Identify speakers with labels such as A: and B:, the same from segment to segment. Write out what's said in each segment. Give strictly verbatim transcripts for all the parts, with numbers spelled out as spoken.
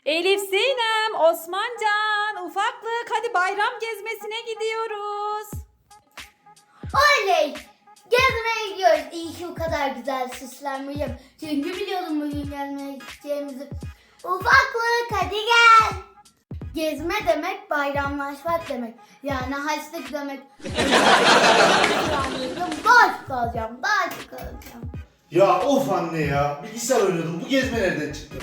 A: Elif Sinem, Osmancan, ufaklık hadi bayram gezmesine gidiyoruz.
B: Oley! Gezmeye gidiyoruz. İyi ki o kadar güzel süslenmişim. Çünkü biliyordum bugün gezmeye gideceğimizi. Ufaklık hadi gel. Gezme demek bayramlaşmak demek. Yani haçlık demek. Daha çok alacağım, daha çok alacağım.
C: Ya of anne ya. Bilgisayar oynuyordum. Bu gezme nereden çıktı?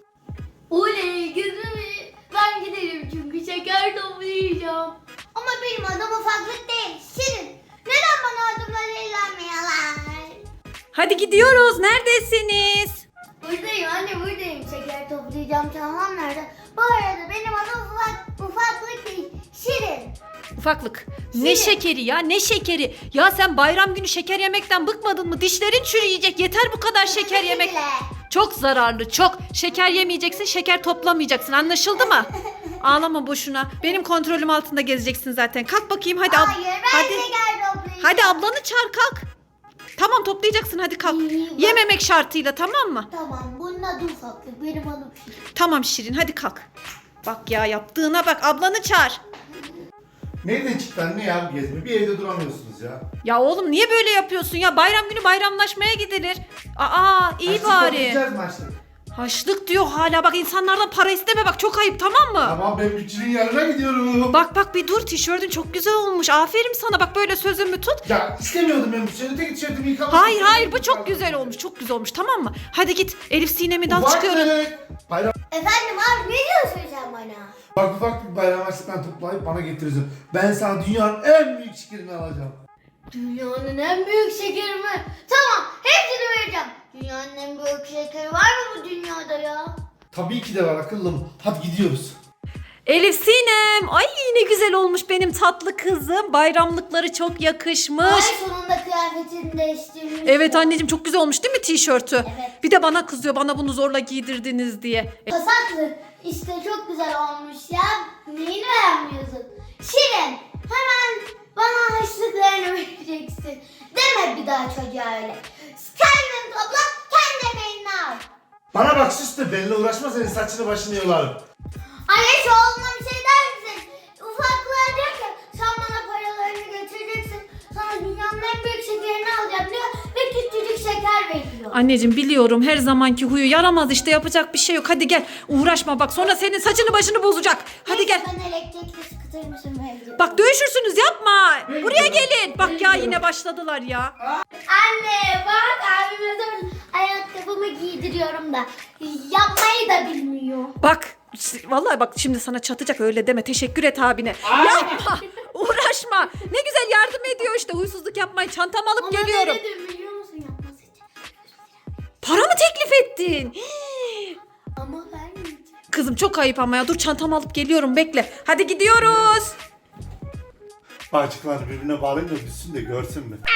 B: Oley gezmeye ben giderim çünkü şeker toplayacağım. Ama benim adım ufaklık değil, Şirin. Neden bana adımla eğlenmiyorlar?
A: Hadi gidiyoruz. Neredesiniz?
B: Buradayım anne buradayım. Şeker toplayacağım. Tamam nerede? Bu arada benim adım ufak, ufaklık değil, Şirin.
A: Ufaklık. Ne
B: Şirin.
A: şekeri ya, ne şekeri? Ya sen bayram günü şeker yemekten bıkmadın mı? Dişlerin çürüyecek. Yeter bu kadar şeker
B: Özür
A: yemek.
B: dile.
A: Çok zararlı, çok. Şeker yemeyeceksin, şeker toplamayacaksın. Anlaşıldı mı? Ağlama boşuna. Benim kontrolüm altında gezeceksin zaten. Kalk bakayım hadi. ab-
B: Hayır ben
A: hadi.
B: şeker toplayacağım.
A: Hadi ablanı çağır kalk. Tamam toplayacaksın hadi kalk.
B: İyi, bak.
A: Yememek şartıyla tamam mı?
B: Tamam bunun adı ufaklık. Benim adım Şirin.
A: Tamam Şirin hadi kalk. Bak ya yaptığına bak ablanı çağır.
C: Nereden çıktı anne ya bu gezme? Bir evde duramıyorsunuz ya.
A: Ya oğlum niye böyle yapıyorsun ya? Bayram günü bayramlaşmaya gidilir. Aa iyi
C: Haçlık
A: bari.
C: toplayacağız mı haçlık?
A: Haçlık diyor hala bak insanlardan para isteme bak çok ayıp tamam mı?
C: Tamam ben bütçünün yanına gidiyorum.
A: Bak bak bir dur tişörtün çok güzel olmuş. Aferin sana bak böyle sözümü tut.
C: Ya istemiyordum ben bu tişörtü. Tek tişörtümü yıkamak
A: Hayır
C: istedim.
A: hayır bu çok güzel olmuş. Çok güzel olmuş tamam mı? Hadi git Elif Sinem'i de al
C: Ufaklık.
A: çıkıyoruz.
C: Bayram.
B: Efendim abi ne diyorsun sen bana?
C: Bak ufak bir bayram harçlıktan toplayıp bana getirirsin. Ben sana dünyanın en büyük şekerini alacağım.
B: Dünyanın en büyük şekeri mi? Tamam hepsini vereceğim. Dünyanın en büyük şekeri var mı bu dünyada ya?
C: Tabii ki de var akıllım. Hadi gidiyoruz.
A: Elif Sinem. Ay ne güzel olmuş benim tatlı kızım. Bayramlıkları çok yakışmış.
B: Ay sonunda kıyafetini değiştirmiş.
A: Evet anneciğim çok güzel olmuş değil mi tişörtü?
B: Evet.
A: Bir de bana kızıyor bana bunu zorla giydirdiniz diye. E,
B: Pasaklı işte çok güzel olmuş ya. Neyini beğenmiyorsun? Şirin hemen bana harçlıklarını vereceksin. Deme bir daha çocuğa öyle. Kendin topla kendi emeğini al.
C: Bana bak sus da benimle uğraşma senin saçını başını yolarım.
B: Anne şu oğluna bir şey der misin? Ufaklığa diyor ki sen bana paralarını getireceksin. Sana dünyanın en büyük şekerini alacağım diyor. Ve küçücük şeker veriyor.
A: Anneciğim biliyorum her zamanki huyu yaramaz işte yapacak bir şey yok. Hadi gel uğraşma bak sonra senin saçını başını bozacak. Hadi gel.
B: Ben elektrikli skuter mısın vereceğim.
A: Bak dövüşürsünüz yapma.
C: Ben
A: Buraya
C: gidiyorum.
A: gelin. Bak
C: Ben
A: ya
C: gidiyorum.
A: yine başladılar ya.
B: Anne bak abime zaman ayakkabımı giydiriyorum da yapmayı da bilmiyor.
A: Bak vallahi bak şimdi sana çatacak öyle deme. Teşekkür et abine. Yapma. Uğraşma. Ne güzel yardım ediyor işte huysuzluk yapmayın. Çantamı alıp
B: Ona
A: geliyorum.
B: ne dedim biliyor musun yapması için?
A: Para mı teklif ettin? Hii.
B: Ama vermeyeceğim.
A: Kızım çok ayıp ama ya. Dur çantamı alıp geliyorum bekle. Hadi gidiyoruz.
C: Bağcıklar birbirine bağlayın da düşsün de görsün mü?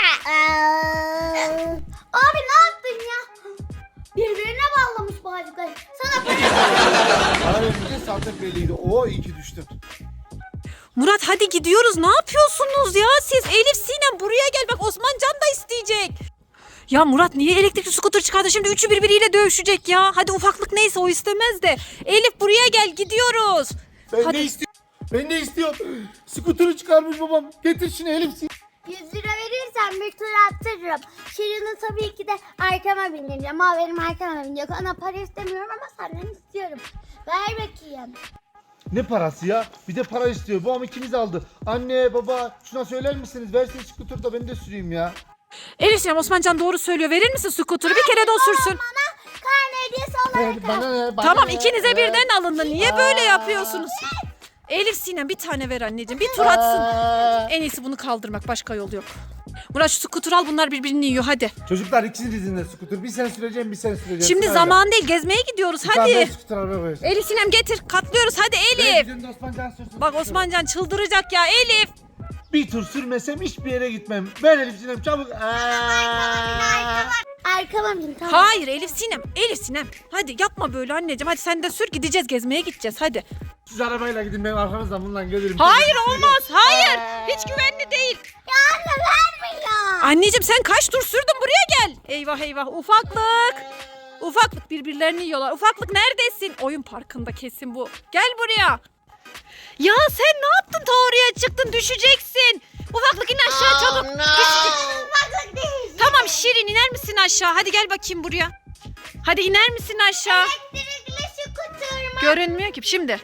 B: Abi ne yaptın ya? Birbirine bağlamış bağcıkları. Sana para
C: Bana verince zaten belliydi. Oo iyi ki düştün.
A: Murat hadi gidiyoruz. Ne yapıyorsunuz ya siz? Elif Sinem buraya gel. Bak Osmancan da isteyecek. Ya Murat niye elektrikli scooter çıkardı? Şimdi üçü birbiriyle dövüşecek ya. Hadi ufaklık neyse o istemez de. Elif buraya gel gidiyoruz.
C: Ben
A: Hadi.
C: de istiyorum. Ben de istiyorum. Skuturu çıkarmış babam. Getir şunu Elif.
B: yüz lira verirsen bir tur attırırım. Şirin'i tabii ki de arkama bindireceğim. Ama benim arkama binecek. Ona para istemiyorum ama senden istiyorum. Ver bakayım.
C: Ne parası ya? Bir de para istiyor. Babam ikimiz aldı. Anne baba şuna söyler misiniz? Versin skuturu da ben de süreyim ya.
A: Elif Sinem Osmancan doğru söylüyor. Verir misin scooter'ı? Bir kere de o sürsün.
B: Bana karne hediyesi olarak
C: Ver, bana ne? Bana
A: Tamam
C: ne?
A: ikinize
C: Ver.
A: birden alındı. Niye böyle
C: Aa.
A: yapıyorsunuz? Elif Sinem bir tane ver anneciğim. Bir tur atsın.
C: Aa.
A: En iyisi bunu kaldırmak. Başka yol yok. Murat şu scooter al bunlar birbirini yiyor hadi.
C: Çocuklar ikinizin de skuter. Bir sen süreceğim bir sen süreceğim.
A: Şimdi
C: Sırayla.
A: zaman değil gezmeye gidiyoruz
C: Bir tane ben
A: hadi.
C: skuter arabaya koyacağım.
A: Elif Sinem getir katlıyoruz hadi
C: Ben
A: Elif.
C: bizim de Osmancan sürsün.
A: Bak Osmancan çıldıracak ya Elif.
C: Bir tur sürmesem hiçbir yere gitmem. Ben Elif Sinem çabuk. Aa.
B: Arkama bin tamam.
A: Hayır Elif Sinem Elif Sinem. Hadi yapma böyle anneciğim hadi sen de sür gideceğiz gezmeye gideceğiz hadi.
C: Siz arabayla gidin ben arkanızdan bununla gelirim.
A: Hayır olmaz hayır hiç güvenli değil.
B: Ya anne vermiyor.
A: Anneciğim sen kaç tur sürdün buraya gel. Eyvah eyvah ufaklık. Ufaklık birbirlerini yiyorlar. Ufaklık neredesin? Oyun parkında kesin bu. Gel buraya. Ya sen ne yaptın ta oraya çıktın düşeceksin. Ufaklık in aşağı çabuk.
B: Ufaklık değil.
A: Tamam Şirin iner misin aşağı? Hadi gel bakayım buraya. Hadi iner misin aşağı?
B: Elektrikli skuter mı?
A: Görünmüyor ki şimdi.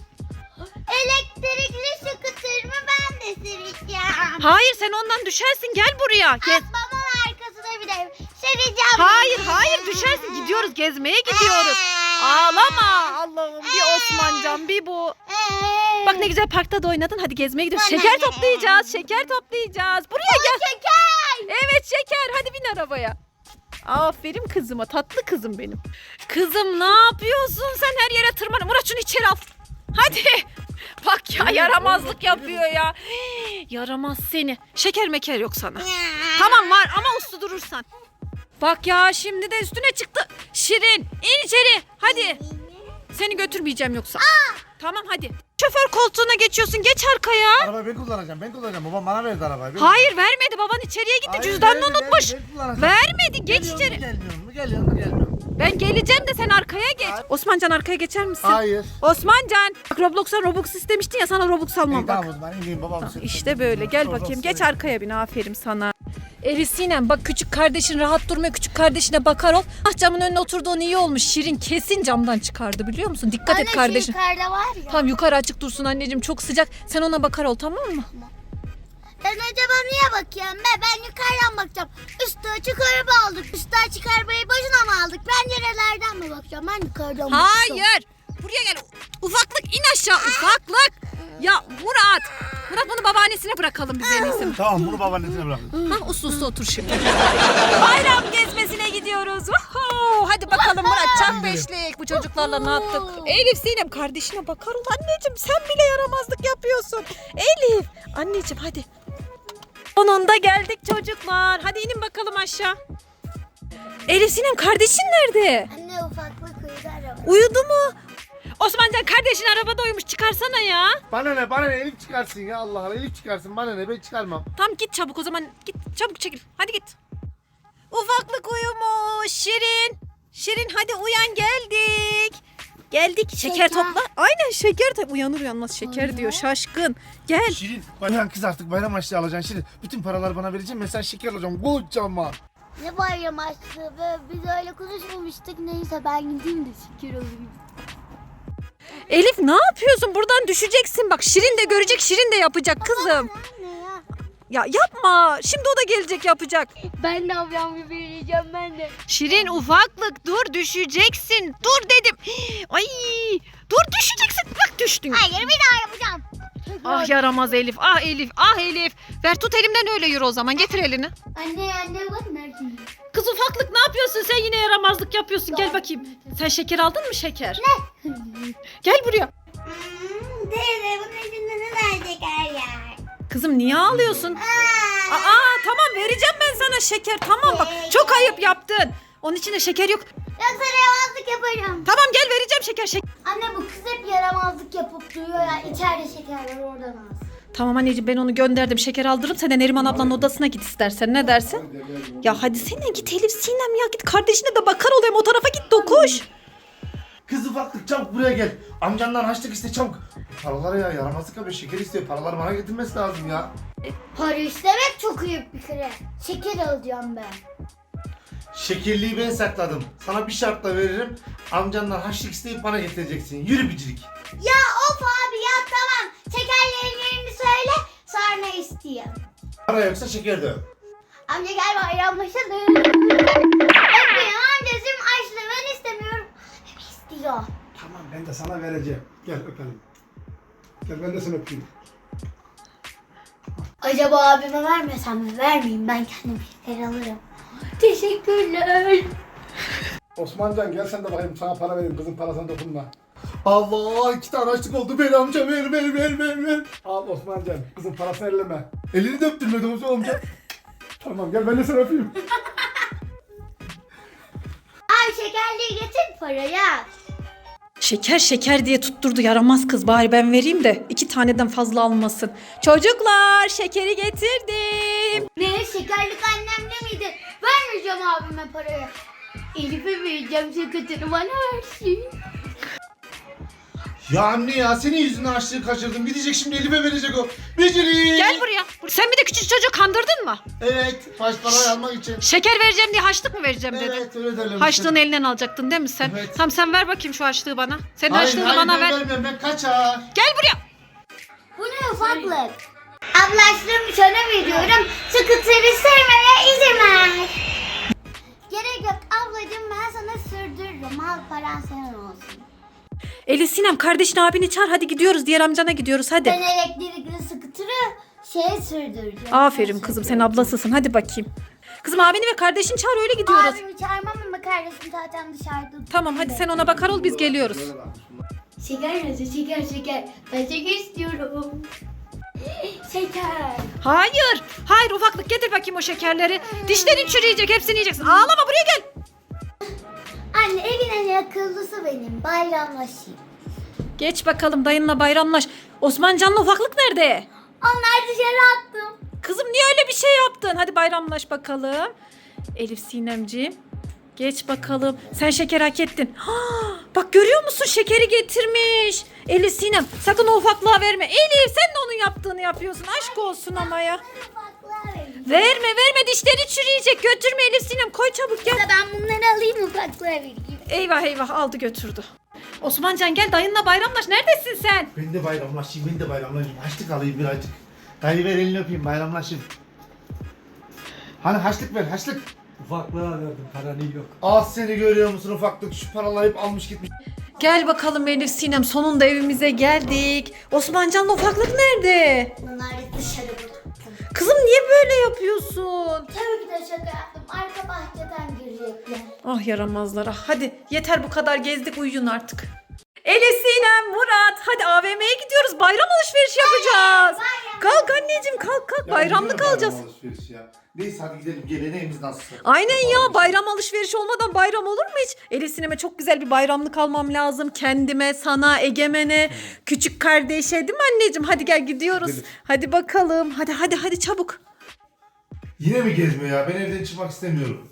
B: Elektrikli skuter mı ben de süreceğim.
A: Hayır sen ondan düşersin gel buraya. Gez.
B: Babamın arkasına bir de süreceğim.
A: Hayır hayır düşersin gidiyoruz gezmeye gidiyoruz. Ağlama Allah'ım bir Osmancan bir bu. Bak ne güzel parkta da oynadın hadi gezmeye gidiyoruz. Şeker toplayacağız şeker toplayacağız. Buraya gel.
B: Şeker.
A: Evet şeker hadi bin arabaya. Aferin kızıma tatlı kızım benim. Kızım ne yapıyorsun sen her yere tırman. Murat şunu içeri al. Hadi. Bak ya yaramazlık yapıyor ya. Hii, yaramaz seni. Şeker meker yok sana. Tamam var ama uslu durursan. Bak ya şimdi de üstüne çıktı. Şirin in içeri hadi. Seni götürmeyeceğim yoksa. Tamam hadi. Şoför koltuğuna geçiyorsun geç arkaya.
C: Arabayı ben kullanacağım ben kullanacağım. Babam bana verdi arabayı. Ben
A: Hayır vermedi baban içeriye gitti
C: Hayır,
A: cüzdanını
C: vermedi,
A: unutmuş.
C: vermedi, ben kullanacağım.
A: Vermedi geç
C: Geliyor mu,
A: içeri.
C: Gelmiyor mu geliyor mu gelmiyor mu?
A: Ben geleceğim de sen arkaya geç.
C: Hayır.
A: Osmancan arkaya geçer misin?
C: Hayır.
A: Osmancan. Bak Roblox'a Robux istemiştin ya sana Robux almam
C: İyi,
A: bak.
C: tamam o zaman ineyim babam.
A: İşte böyle gel bakayım geç arkaya bin aferin sana. Elif Sinem bak küçük kardeşin rahat durmuyor küçük kardeşine bakar ol. Ah camın önüne oturduğun iyi olmuş Şirin kesin camdan çıkardı biliyor musun? Dikkat et kardeşin.
B: yukarıda var ya.
A: Tamam yukarı açık dursun anneciğim çok sıcak sen ona bakar ol tamam mı?
B: Ben acaba niye bakıyorum be? Ben yukarıdan bakacağım. Üstü açık araba aldık. Üstü açık arabayı boşuna mı aldık? Pencerelerden mi bakacağım? Ben yukarıdan bakacağım.
A: Hayır buraya gel ufaklık in aşağı ufaklık. Ya Murat Murat bunu babaannesine bırakalım biz en iyisi.
C: Tamam bunu babaannesine bırakın.
A: Ha uslu uslu otur şimdi. Bayram gezmesine gidiyoruz. Woohoo! Hadi bakalım Murat çak beşlik. Bu çocuklarla ne yaptık? Elif Sinem kardeşine bakar ol anneciğim. Sen bile yaramazlık yapıyorsun. Elif anneciğim hadi. Sonunda geldik çocuklar. Hadi inin bakalım aşağı. Elif Sinem kardeşin nerede?
B: Anne ufaklık uyudu araba.
A: Uyudu mu? Osmancan kardeşin arabada uyumuş çıkarsana ya.
C: Bana ne bana ne Elif çıkarsın ya Allah Allah Elif çıkarsın bana ne ben çıkarmam.
A: Tamam git çabuk o zaman git çabuk çekil hadi git. Ufaklık uyumuş Şirin. Şirin hadi uyan geldik. Geldik şeker,
B: Şeker.
A: topla. Aynen şeker topla. Uyanır uyanmaz şeker
B: Anne.
A: diyor şaşkın. Gel.
C: Şirin bayram kız artık bayram açlığı alacaksın Şirin. Bütün paraları bana vereceksin ben sen şeker alacağım kocaman.
B: Ne bayram açtı be? Biz öyle konuşmamıştık. Neyse ben gideyim de şeker alayım.
A: Elif ne yapıyorsun buradan düşeceksin bak Şirin de görecek Şirin de yapacak kızım.
B: Anne ya.
A: Ya yapma şimdi o da gelecek yapacak.
B: Ben de ablam gibi vereceğim ben de.
A: Şirin ufaklık dur düşeceksin dur dedim. Ay dur düşeceksin bak düştün.
B: Hayır bir daha yapacağım.
A: Ah yaramaz Elif ah Elif ah Elif. Ver tut elimden öyle yürü o zaman getir elini.
B: Anne anne bak nerede?
A: Kız ufaklık ne yapıyorsun sen yine yaramazlık yapıyorsun gel bakayım. Sen şeker aldın mı şeker?
B: Ne?
A: Gel buraya.
B: Hmm, teyze bunun içinde ne var şeker ya?
A: Kızım niye ağlıyorsun?
B: Aa.
A: Aa tamam vereceğim ben sana şeker tamam bak çok ayıp yaptın. Onun içinde şeker yok.
B: Yoksa yaramazlık yaparım.
A: Tamam gel vereceğim şeker şeker.
B: Anne bu kız hep yaramazlık yapıp duruyor ya. İçeride şeker var oradan al.
A: Tamam anneciğim ben onu gönderdim şeker aldırırım sen de Neriman ablanın odasına git istersen ne dersin? Ya hadi sen git Elif Sinem ya git kardeşine de bakar olayım o tarafa git dokuş.
C: Kız ufaklık çabuk buraya gel. Amcandan harçlık iste çabuk. Paraları ya yaramazlık yapıyor şeker istiyor. Paraları bana getirmesi lazım ya.
B: Para istemek çok ayıp bir kere. Şeker alacağım ben.
C: Şekerliği ben sakladım. Sana bir şartla veririm. Amcandan harçlık isteyip bana getireceksin. Yürü bicirik.
B: Ya of abi ya tamam. Şekerlerin yerini söyle sonra isteyeyim.
C: Para yoksa şeker de yok.
B: Amca gel bayramlaşalım. Öpmeyin amcacığım açlığı ben istemiyorum. Hep istiyor.
D: Tamam ben de sana vereceğim. Gel öpelim. Gel ben de seni öpeyim.
B: Acaba abime vermesem mi? Vermeyeyim ben kendim şeker alırım. Teşekkürler.
D: Osmancan gel sen de bakayım sana para vereyim. Kızın parasına dokunma.
C: Allah iki tane harçlık oldu. Ver amca ver ver ver ver ver.
D: Al Osmancan kızın parasını elleme.
C: Elini de öptürmedi Osman amca.
D: Tamam gel ben de seni öpeyim.
B: Ay şekerliği getir parayı.
A: Şeker şeker diye tutturdu yaramaz kız bari ben vereyim de iki taneden fazla almasın. Çocuklar şekeri getirdim.
B: Ne şekerlik annemde miydi? Vermeyeceğim abime parayı. Elif'e vereceğim sakatını bana versin.
C: Ya anne ya senin yüzünden açlığı kaçırdım. Gidecek şimdi Elif'e verecek o. Beceri.
A: Gel buraya. Sen bir de küçük çocuğu kandırdın mı?
C: Evet. Baş parayı almak için.
A: Şeker vereceğim diye haçlık mı vereceğim dedin?
C: Evet öyle derler.
A: Haçlığını elinden alacaktın değil mi sen?
C: Evet.
A: Tamam sen ver bakayım şu haçlığı bana. Senin
C: Hayır
A: haçlığını
C: hayır
A: bana
C: ben
A: ver.
C: vermiyorum ben kaçar.
A: Gel buraya.
B: Bu ne ufaklık? Ablaştığımı sana veriyorum. Sıkıntıyı sevmeye izin ver. Gerek yok ablacığım, ben sana sürdürürüm. Al, paran senin olsun.
A: Elif Sinem kardeşin abini çağır hadi gidiyoruz. Diğer amcana gidiyoruz hadi.
B: Ben elektrikli scooter'ı şeye sürdüreceğim.
A: Aferin kızım sen ablasısın hadi bakayım. Kızım abini ve kardeşini çağır öyle gidiyoruz.
B: Abimi çağırmam ama kardeşim zaten dışarıda.
A: Tamam hadi sen ona bakar ol biz geliyoruz.
B: Şeker nasıl? Şeker şeker. Ben şeker istiyorum. Şeker.
A: Hayır. Hayır ufaklık getir bakayım o şekerleri. Dişlerin çürüyecek hepsini yiyeceksin. Ağlama buraya gel.
B: Anne evin en akıllısı benim. Bayramlaşayım.
A: Geç bakalım dayınla bayramlaş. Osmancan'la ufaklık nerede?
B: Onlar dışarı attım.
A: Kızım niye öyle bir şey yaptın? Hadi bayramlaş bakalım. Elif Sinemciğim. Geç bakalım. Sen şeker hak ettin. Ha, bak görüyor musun şekeri getirmiş. Elif Sinem sakın o ufaklığa verme. Elif sen de onun yaptığını yapıyorsun. Aşk olsun ama ya.
B: Ufaklığa vereyim.
A: Verme verme dişleri çürüyecek. Götürme Elif Sinem koy çabuk gel.
B: Ben bunları alayım ufaklığa vereyim.
A: Eyvah eyvah aldı götürdü. Osmancan gel dayınla bayramlaş. Neredesin sen?
C: Ben de bayramlaşayım ben de bayramlaşayım. Haçlık alayım birazcık. Dayı ver elini öpeyim bayramlaşayım. Hani haçlık ver haçlık.
D: Ufaklığa verdim, paranı yok.
C: Az seni görüyor musun ufaklık şu paraları hep almış gitmiş.
A: Gel bakalım Elif Sinem sonunda evimize geldik. Osmancan'la ufaklık nerede?
B: Bunları dışarı bıraktım.
A: Kızım niye böyle yapıyorsun?
B: Tabii ki de şaka yaptım. Arka bahçeden girecekler.
A: Ah yaramazlara. Hadi yeter bu kadar gezdik uyuyun artık. Elif Sinem, Murat hadi A V M'ye gidiyoruz. Bayram alışverişi yapacağız.
B: bayram.
A: Kalk anneciğim kalk kalk bayramlık
C: Ya,
A: alacağız.
C: bayram alışverişi ya. Neyse hadi gidelim geleneğimiz nasıl?
A: Aynen ya bayram alışverişi olmadan bayram olur mu hiç? Elif Sinem'e çok güzel bir bayramlık almam lazım. Kendime, sana, Egemen'e, küçük kardeşe değil mi anneciğim? Hadi gel gidiyoruz.
C: Gidelim.
A: Hadi bakalım. Hadi hadi hadi çabuk.
C: Yine mi gezmiyor ya? Ben evden çıkmak istemiyorum.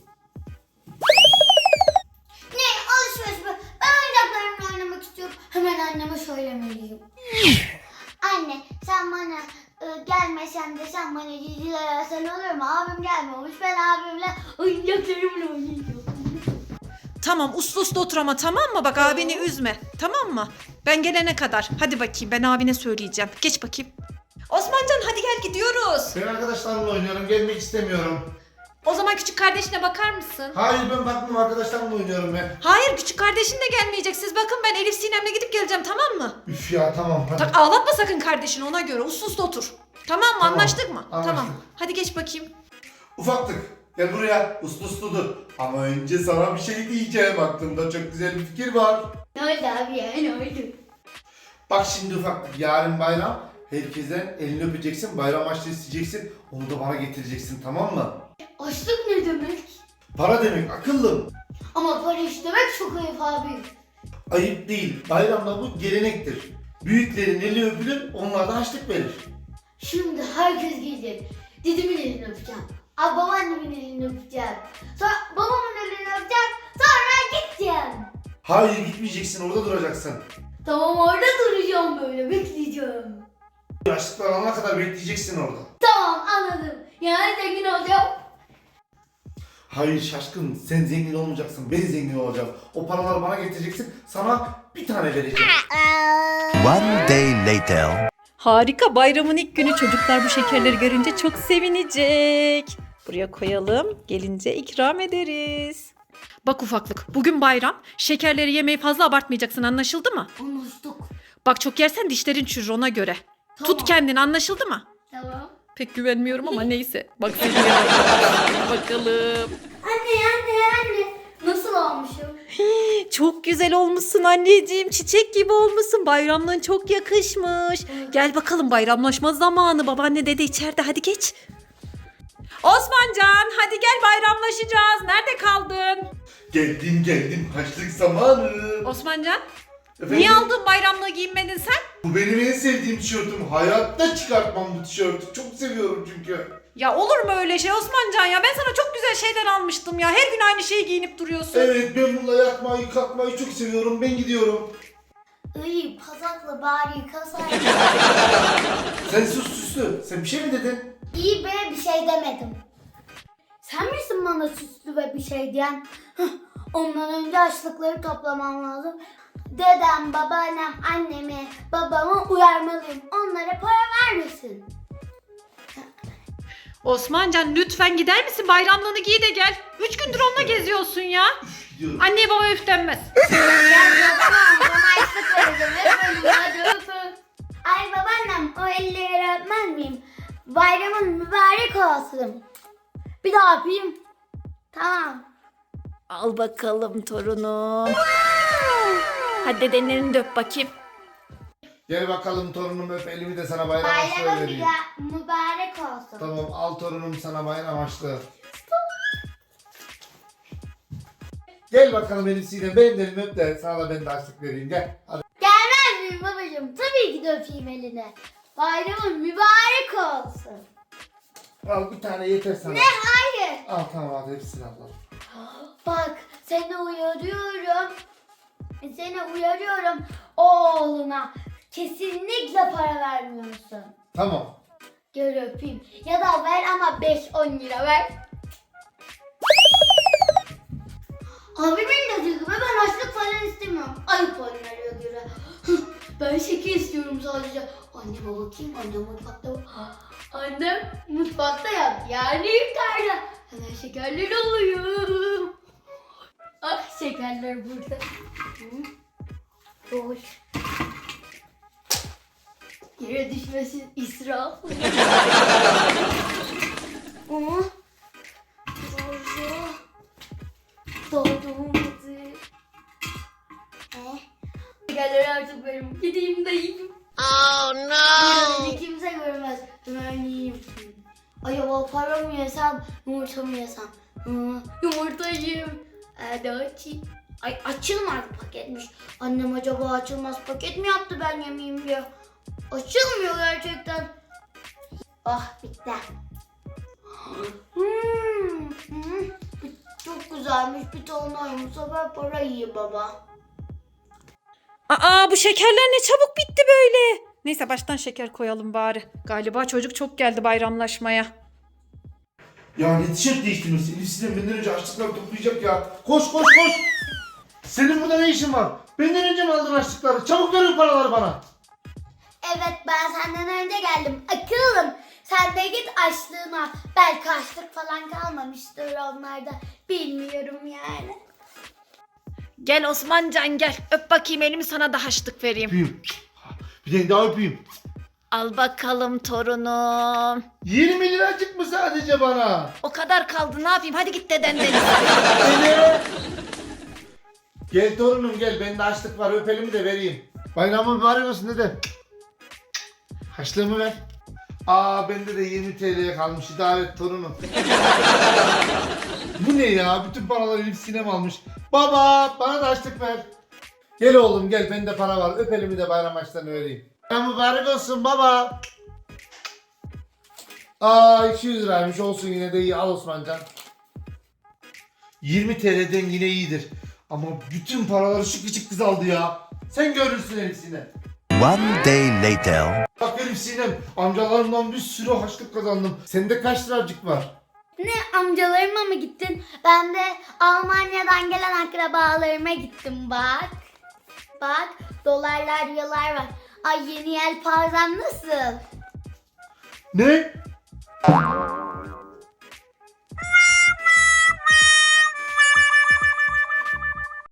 B: Ne alışveriş mi? Ben oyuncaklarımla oynamak istiyorum. Hemen anneme söylemeliyim. Anne sen bana e, gelmesen de sen bana diziler versen olur mu? Abim gelmemiş. Ben abimle oyuncaklarımla oynayacağım.
A: Tamam uslu uslu otur ama tamam mı? Bak abini üzme. Tamam mı? Ben gelene kadar. Hadi bakayım ben abine söyleyeceğim. Geç bakayım. Osmancan hadi gel gidiyoruz.
C: Ben arkadaşlarımla oynuyorum gelmek istemiyorum.
A: O zaman küçük kardeşine bakar mısın?
C: Hayır ben bakmam arkadaşlarımla oynuyorum ben.
A: Hayır küçük kardeşin de gelmeyecek. Siz bakın ben Elif Sinem'le gidip geleceğim tamam mı?
C: Üf ya tamam hadi.
A: Tak, ağlatma sakın kardeşini ona göre. Uslu uslu otur. Tamam mı?
C: Tamam,
A: Anlaştık mı?
C: anlaştık.
A: Tamam. Hadi geç bakayım.
C: Ufaklık gel buraya uslu uslu dur. Ama önce sana bir şey diyeceğim aklımda çok güzel bir fikir var.
B: Ne oldu abi ya, ne oldu?
C: Bak şimdi ufaklık yarın bayram. Herkesten elini öpeceksin bayram harçlığı isteyeceksin. Onu da bana getireceksin tamam mı?
B: Açlık ne demek?
C: Para demek akıllım.
B: Ama para istemek çok ayıp abi.
C: Ayıp değil. Bayramda bu gelenektir. Büyüklerin eli öpülür, onlar da harçlık verir.
B: Şimdi herkes gelecek. Dedemin elini öpeceğim. Abi babaannemin elini öpeceğim. Sonra babamın elini öpeceğim. Sonra gideceğim.
C: Hayır gitmeyeceksin, orada duracaksın.
B: Tamam orada duracağım böyle bekleyeceğim.
C: Yaşlıklar alana kadar bekleyeceksin orada.
B: Tamam anladım. Yani zengin olacağım.
C: Hayır şaşkın, sen zengin olmayacaksın, ben zengin olacağım. O paraları bana getireceksin, sana bir tane vereceğim.
E: One day later.
A: Harika bayramın ilk günü çocuklar bu şekerleri görünce çok sevinecek. Buraya koyalım gelince ikram ederiz. Bak ufaklık bugün bayram şekerleri yemeyi fazla abartmayacaksın anlaşıldı mı?
B: Anlaştık.
A: Bak çok yersen dişlerin çürür ona göre.
B: Tamam.
A: Tut kendini anlaşıldı mı?
B: Tamam.
A: Pek güvenmiyorum ama neyse. Bak seni bakalım.
B: Anne anne anne. Nasıl olmuşum?
A: Çok güzel olmuşsun anneciğim. Çiçek gibi olmuşsun. Bayramlığın çok yakışmış. Gel bakalım bayramlaşma zamanı. Babaanne dede içeride hadi geç. Osmancan hadi gel bayramlaşacağız. Nerede kaldın?
C: Geldim geldim, harçlık zamanı.
A: Osmancan
C: Efendim?
A: Niye aldın bayramlığı giyinmedin sen?
C: Bu benim en sevdiğim tişörtüm. Hayatta çıkartmam bu tişörtü. Çok seviyorum çünkü.
A: Ya olur mu öyle şey Osmancan ya? Ben sana çok güzel şeyler almıştım ya. Her gün aynı şeyi giyinip duruyorsun.
C: Evet, ben bununla yatmayı kalkmayı çok seviyorum. Ben gidiyorum.
B: İyi pazakla bari yıkasaydın.
C: Sen sus süslü. Sen bir şey mi dedin?
B: İyi be bir şey demedim. Sen misin bana süslü ve bir şey diyen? Hıh, ondan önce açlıkları toplamam lazım. Dedem, babaannem, annemi, babamı uyarmalıyım. Onlara para vermesin.
A: Osmancan lütfen gider misin? Bayramlığını giy de gel. Üç gündür onunla geziyorsun ya.
C: Gidiyorum.
A: Anneye babaya üflenmez.
B: Gel babam, bana açlık vereceğim. Öpün, hadi öpün. Ay babaannem, o elleri öpmez miyim? Bayramın mübarek olsun. Bir daha öpeyim. Tamam.
A: Al bakalım torunum. Hadi dedenin elini de öp bakayım.
C: Gel bakalım torunum, öp elimi de sana bayram harçlığı
B: Bayramın
C: vereyim.
B: müba- mübarek olsun.
C: Tamam, al torunum sana bayram harçlığı. Gel bakalım Elif Sinem, benim de elimi öp de sana da ben de harçlık vereyim, gel. Hadi.
B: Gelmez miyim babacığım? Tabii ki de öpeyim eline. Bayramın mübarek olsun.
C: Al bir tane yeter sana.
B: Ne? Hayır.
C: Al tamam, hadi hepsini al. al.
B: Bak seni uyarıyorum. Seni uyarıyorum. Oğluna kesinlikle para vermiyorsun.
C: Tamam.
B: Gel öpeyim. Ya da ver ama beş on lira ver. Abimin dediği gibi ben açlık falan istemiyorum. Ayıp onlara göre. Ben şeker istiyorum sadece. Anneme bakayım, annem mutfakta. Annem mutfakta yap. Yani yukarıda. Hemen şekerler alıyorum. Ah şekerler burada. Hı. Boş. Yere düşmesin israf. Ama doğru. Doğduğumuzu. Eh. Şekerleri artık benim. Gideyim de yiyeyim. Oh no. Beni kimse görmez. Ben yiyeyim. Acaba para mı yesem, yumurta mı yesem? Hmm, yumurta yiyeyim. Hadi açayım. Ay açılmaz paketmiş. Annem acaba açılmaz paket mi yaptı ben yemeyeyim diye. Açılmıyor gerçekten. Ah bitti. Hmm, hmm. Çok güzelmiş bir tane ayım. Bu sefer para yiyeyim baba.
A: Aa bu şekerler ne çabuk bitti böyle. Neyse baştan şeker koyalım bari. Galiba çocuk çok geldi bayramlaşmaya.
C: Ya ne tişört değiştirmesi? Elif Sinem benden önce harçlıkları toplayacak ya. Koş koş koş. Senin burada ne işin var? Benden önce mi aldın harçlıkları? Çabuk ver o paraları bana.
B: Evet ben senden önce geldim. Akıllım. Sen de git açlığına. Belki açlık falan kalmamıştır onlarda. Bilmiyorum yani.
A: Gel Osmancan gel. Öp bakayım elimi sana da haçlık vereyim.
C: Öpeyim. Bir tane daha öpeyim.
A: Al bakalım torunum.
C: yirmi liracık mı sadece bana?
A: O kadar kaldı ne yapayım hadi git dedenden.
C: Beni. Gel torunum gel, bende açlık var, öp elimi de vereyim. Bayramın mübarek olsun dede. Haçlığımı ver. Aa bende de yirmi T L'ye kalmış, idare et torunum. Bu ne ya? Bütün paraları Elif Sinem almış. Baba bana da açlık ver. Gel oğlum gel, bende para var, öp elimi de bayram harçlığını vereyim. Bayram mübarek olsun baba. Aa iki yüz liraymış, olsun yine de iyi, al Osmancan. yirmi T L'den yine iyidir. Ama bütün paraları şu küçük kız aldı ya. Sen görürsün Elif Sinem.
E: One day later.
C: Bak Elif Sinem, amcalarımdan bir sürü harçlık kazandım. Sende kaç liracık var?
B: Ne amcalarıma mı gittin? Ben de Almanya'dan gelen akrabalarıma gittim bak. Bak dolarlar eurolar var. Ay yeni yelpazem nasıl?
C: Ne?